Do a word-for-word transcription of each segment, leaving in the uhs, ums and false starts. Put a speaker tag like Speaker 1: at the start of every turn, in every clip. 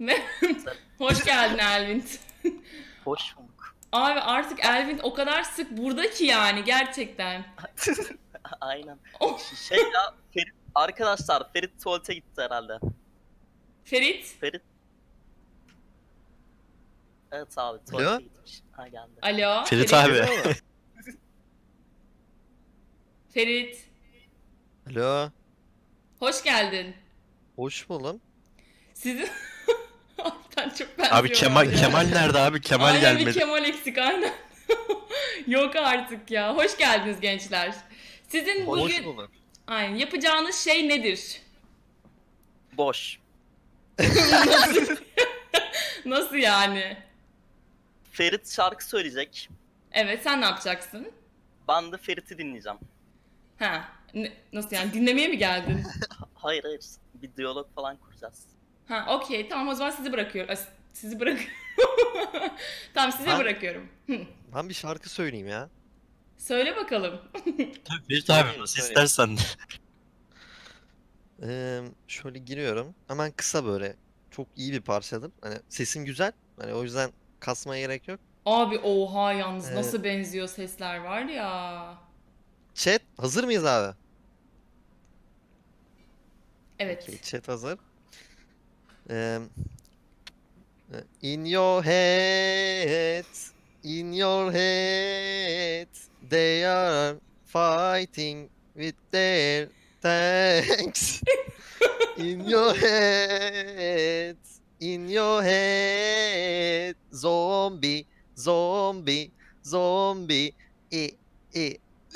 Speaker 1: Ne? Hoş geldin Elvin.
Speaker 2: Hoş bulduk.
Speaker 1: Abi artık Elvin o kadar sık burada ki yani gerçekten.
Speaker 2: Aynen.
Speaker 1: Oh,
Speaker 2: Şey ya Ferit, arkadaşlar Ferit tuvalete gitti herhalde.
Speaker 1: Ferit.
Speaker 2: Ferit. Evet abi tuvalete
Speaker 3: Alo?
Speaker 2: gitmiş. Ha geldi.
Speaker 1: Alo.
Speaker 4: Ferit abi.
Speaker 1: Ferit.
Speaker 3: Alo.
Speaker 1: Hoş geldin.
Speaker 3: Hoş buldum.
Speaker 1: Sizin... Sen çok benziyorlar
Speaker 4: Abi Kemal
Speaker 1: ya.
Speaker 4: Kemal nerede abi? Kemal
Speaker 1: Aynen bir
Speaker 4: gelmedi.
Speaker 1: Kemal eksik aynen. Yok artık ya. Hoş geldiniz gençler. Sizin
Speaker 3: Hoş
Speaker 1: bugün
Speaker 3: bulduk.
Speaker 1: aynen yapacağınız şey nedir?
Speaker 2: Boş.
Speaker 1: Nasıl yani?
Speaker 2: Ferit şarkı söyleyecek.
Speaker 1: Evet, sen ne yapacaksın?
Speaker 2: Ben de Ferit'i dinleyeceğim.
Speaker 1: Ha, ne- nasıl yani dinlemeye mi geldin?
Speaker 2: Hayır hayır. Bir diyalog falan kuracağız.
Speaker 1: Ha, okey, tamam, o zaman sizi bırakıyorum. As- Sizi bırak. Tamam, size
Speaker 3: Ben-
Speaker 1: bırakıyorum. Hı.
Speaker 3: Ben bir şarkı söyleyeyim ya.
Speaker 1: Söyle bakalım.
Speaker 4: Ferit abi nasıl istersen.
Speaker 3: Ee, şöyle giriyorum. Hemen kısa böyle. Çok iyi bir parçadır. Hani sesim güzel. Hani o yüzden kasmaya gerek yok.
Speaker 1: Abi oha yalnız
Speaker 3: Evet.
Speaker 1: nasıl benziyor sesler var ya.
Speaker 3: Chat hazır mıyız abi?
Speaker 1: Evet.
Speaker 3: Okey, chat hazır. Ee, in your head, in your head, they are fighting with their tanks. In your head, in your head, zombie, zombie, zombie, e, e.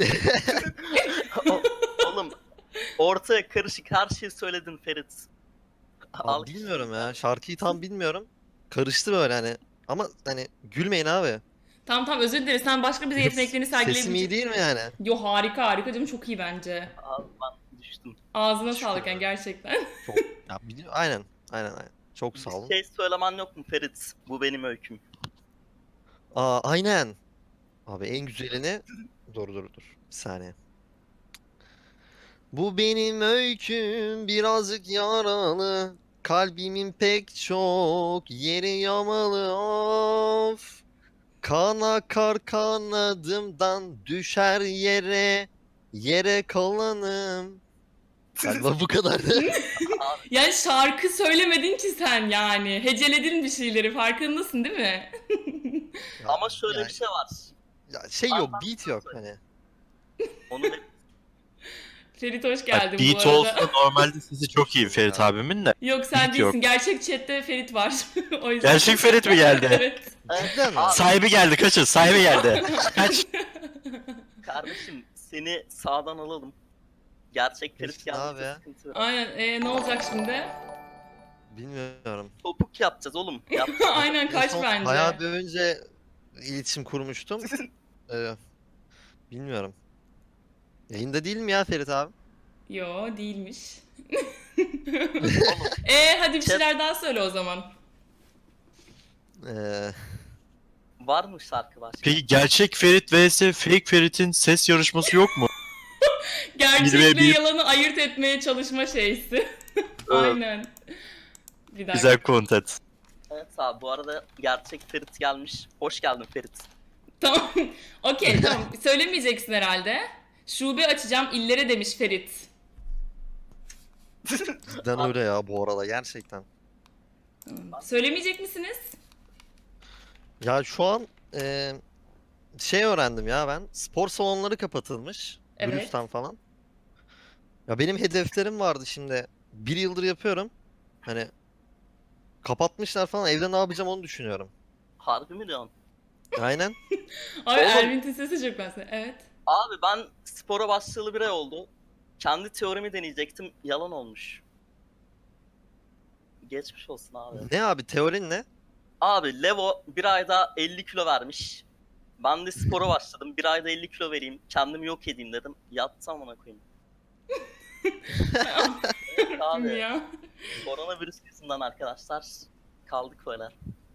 Speaker 2: O- Oğlum ortaya karışık her şeyi söyledin Ferit. Al-
Speaker 3: Abi bilmiyorum ya, şarkıyı tam bilmiyorum. Karıştı böyle hani. Ama hani gülmeyin abi.
Speaker 1: Tamam tamam, özür dileriz. Sen başka bir yeteneklerini
Speaker 3: Sesim iyi
Speaker 1: sergileyebileceksin.
Speaker 3: değil mi yani?
Speaker 1: Yo, harika harika canım, çok iyi bence.
Speaker 2: Abi ben düştüm.
Speaker 1: Ağzına
Speaker 3: Şükür
Speaker 1: sağlık yani
Speaker 3: ya.
Speaker 1: gerçekten.
Speaker 3: Çok, ya biliyorum, aynen, aynen, aynen. Çok sağ olun.
Speaker 2: Bir şey söylemen yok mu Ferit? Bu benim öyküm.
Speaker 3: Aa, aynen. Abi en güzelini... Dur dur dur. Bir saniye. Bu benim öyküm birazcık yaralı. Kalbimin pek çok yeri yamalı of. Kan akar kanadımdan düşer yere. Yere kalanım. Galiba bu kadardı.
Speaker 1: Yani şarkı söylemedin ki sen yani. Heceledin bir şeyleri, farkındasın değil mi?
Speaker 3: Ya,
Speaker 2: Ama şöyle
Speaker 3: yani-
Speaker 2: bir şey var.
Speaker 3: ya şey yok, beat yok hani.
Speaker 2: Onu da
Speaker 1: Ferit hoş
Speaker 4: Bak,
Speaker 1: geldin bu
Speaker 4: beat
Speaker 1: arada.
Speaker 4: olsa normalde sesi çok iyi Ferit abimin de.
Speaker 1: Yok sen
Speaker 4: beat
Speaker 1: değilsin.
Speaker 4: yok.
Speaker 1: Gerçek chatte Ferit var. O yüzden.
Speaker 4: Gerçek Ferit mi geldi?
Speaker 1: Evet.
Speaker 3: Cidden mi?
Speaker 2: Abi,
Speaker 4: Sahibi geldi, kaçın, sahibi geldi. Kaç.
Speaker 2: kardeşim seni sağdan alalım. Gerçek Ferit
Speaker 3: Geçtin abi
Speaker 2: geldi.
Speaker 3: ya.
Speaker 2: Sıkıntı yok.
Speaker 1: Aynen. Ee, ne olacak şimdi?
Speaker 3: Bilmiyorum.
Speaker 2: Topuk yapacağız oğlum. Yap.
Speaker 1: Aynen,
Speaker 3: En
Speaker 1: kaç
Speaker 3: son
Speaker 1: bence.
Speaker 3: Bayağı bir önce iletişim kurmuştum. Ee, bilmiyorum. Yayında değil mi ya Ferit abi?
Speaker 1: Yo, değilmiş.
Speaker 2: Oğlum,
Speaker 1: Ee, hadi bir
Speaker 2: Chat-
Speaker 1: şeyler daha söyle o zaman.
Speaker 3: Ee,
Speaker 2: var mı şarkı başka?
Speaker 4: Peki gerçek Ferit vs fake Ferit'in ses yarışması yok mu?
Speaker 1: Gerçekle
Speaker 4: bir-
Speaker 1: yalanı ayırt etmeye çalışma şeysi. Aynen. Bir dakika.
Speaker 4: Güzel content.
Speaker 2: Evet abi bu arada gerçek Ferit gelmiş. Hoş geldin Ferit.
Speaker 1: Tamam. Okey, tamam. Söylemeyeceksin herhalde. Şube açacağım illere demiş Ferit.
Speaker 3: cidden öyle ya bu arada gerçekten.
Speaker 1: Söylemeyecek misiniz?
Speaker 3: Ya şu an e, şey öğrendim ya ben. Spor salonları kapatılmış.
Speaker 1: Evet.
Speaker 3: Virüsten falan. Ya benim hedeflerim vardı şimdi. Bir yıldır yapıyorum. Hani kapatmışlar falan. Evde ne yapacağım onu düşünüyorum.
Speaker 2: Harbi mi diyorsun?
Speaker 3: Aynen.
Speaker 1: Abi
Speaker 2: Oğlum.
Speaker 1: Elvin'in sesi çok benziyor. Evet.
Speaker 2: Abi ben spora başlayalı bir ay oldu. Kendi teorimi deneyecektim. Yalan olmuş. Geçmiş olsun abi.
Speaker 3: Ne abi teorin ne?
Speaker 2: Abi Levo bir ayda elli kilo vermiş. Ben de spora başladım. Bir ayda elli kilo vereyim. Kendimi yok edeyim dedim. Yattım amına koyayım. Evet abi.
Speaker 1: Ya.
Speaker 2: Koronavirüs yüzünden arkadaşlar kaldık böyle.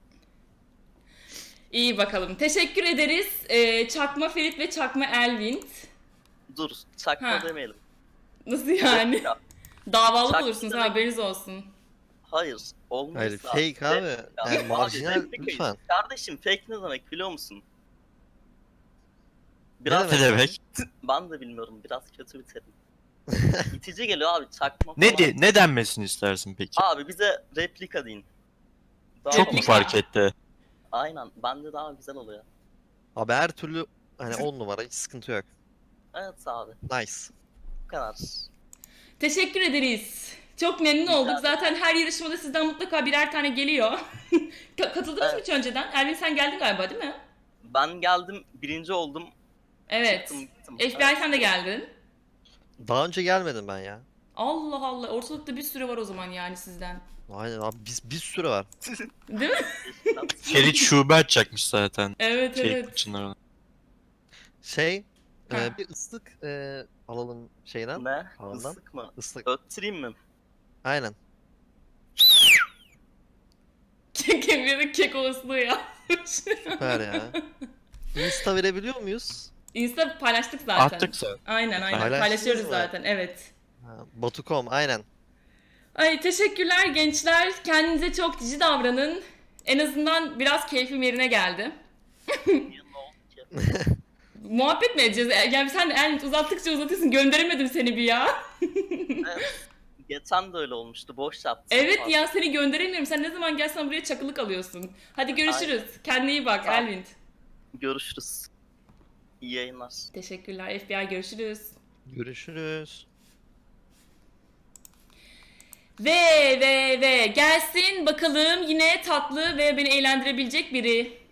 Speaker 1: İyi bakalım. Teşekkür ederiz. Ee, Çakma Ferit ve Çakma Elvin.
Speaker 2: Dur çakma
Speaker 1: Ha.
Speaker 2: demeyelim.
Speaker 1: Nasıl yani?
Speaker 2: Ya,
Speaker 1: Davalı
Speaker 2: Çakma
Speaker 1: olursunuz,
Speaker 2: demek-
Speaker 1: haberiniz olsun.
Speaker 2: Hayır. Olmaz.
Speaker 3: Hayır
Speaker 2: abi.
Speaker 3: fake abi.
Speaker 2: Rep-
Speaker 3: Yani
Speaker 2: Abi,
Speaker 3: marjinal
Speaker 2: replikayız.
Speaker 3: lütfen.
Speaker 2: Kardeşim fake ne demek biliyor musun?
Speaker 3: Ne
Speaker 2: Biraz
Speaker 4: Ne demek?
Speaker 2: ben de bilmiyorum. Biraz kötü bir terim. İtici geliyor abi çakma
Speaker 4: Ne
Speaker 2: falan.
Speaker 4: de, ne denmesini istersin peki?
Speaker 2: Abi bize replika deyin. Daha
Speaker 4: Çok mu
Speaker 1: Replika.
Speaker 4: fark etti?
Speaker 2: Aynen. Bende daha güzel oluyor.
Speaker 3: Abi her türlü hani on numara hiç sıkıntı yok.
Speaker 2: Evet abi.
Speaker 3: Nice.
Speaker 2: Bu kadar.
Speaker 1: Teşekkür ederiz. Çok memnun
Speaker 2: Rica
Speaker 1: olduk.
Speaker 2: ederim.
Speaker 1: Zaten her yarışmada sizden mutlaka birer tane geliyor. Ka- Katıldınız mı
Speaker 2: Evet.
Speaker 1: hiç önceden? Ervin sen geldin galiba değil mi?
Speaker 2: Ben geldim. Birinci oldum.
Speaker 1: Evet.
Speaker 2: Çıktım gittim.
Speaker 1: F B I sen de geldin.
Speaker 3: Daha önce gelmedim ben ya.
Speaker 1: Allah Allah. Ortalıkta bir sürü var o zaman yani sizden.
Speaker 3: Aynen abi biz bir sürü var.
Speaker 1: Değil mi?
Speaker 2: Evet.
Speaker 4: Ferit şube açacakmış zaten.
Speaker 1: Evet
Speaker 4: Şey,
Speaker 1: evet.
Speaker 4: Çınar'ın.
Speaker 3: Şey
Speaker 1: Ha.
Speaker 3: e, bir ıslık e, alalım şeyden.
Speaker 2: Ne?
Speaker 3: Tavandan.
Speaker 2: Islık mı?
Speaker 3: Islık.
Speaker 2: Öttüreyim mi?
Speaker 3: Aynen.
Speaker 1: Kemir'in kek olasılığı ya.
Speaker 3: Süper ya. Insta verebiliyor muyuz?
Speaker 1: Insta paylaştık zaten.
Speaker 4: Attık zaten.
Speaker 1: Aynen aynen
Speaker 3: Paylaştınız
Speaker 1: paylaşıyoruz
Speaker 3: mı?
Speaker 1: zaten evet.
Speaker 3: Ha, Batu nokta com aynen.
Speaker 1: Ay teşekkürler gençler. Kendinize çok cici davranın. En azından biraz keyfim yerine geldi.
Speaker 2: Niye, ne oldu ki?
Speaker 1: Muhabbet mi edeceğiz? Yani sen el uzattıkça uzatıyorsun. Gönderemedim seni bir ya.
Speaker 2: Evet. Geçen de öyle olmuştu. Boş yaptım.
Speaker 1: Evet
Speaker 2: Pardon.
Speaker 1: ya seni gönderemiyorum. Sen ne zaman gelsen buraya çakılık alıyorsun. Hadi görüşürüz. Kendine iyi bak
Speaker 2: Tamam.
Speaker 1: Elvin.
Speaker 2: Görüşürüz. İyi yayınlar.
Speaker 1: Teşekkürler F B I görüşürüz.
Speaker 3: Görüşürüz.
Speaker 1: Ve ve ve gelsin bakalım yine tatlı ve beni eğlendirebilecek biri.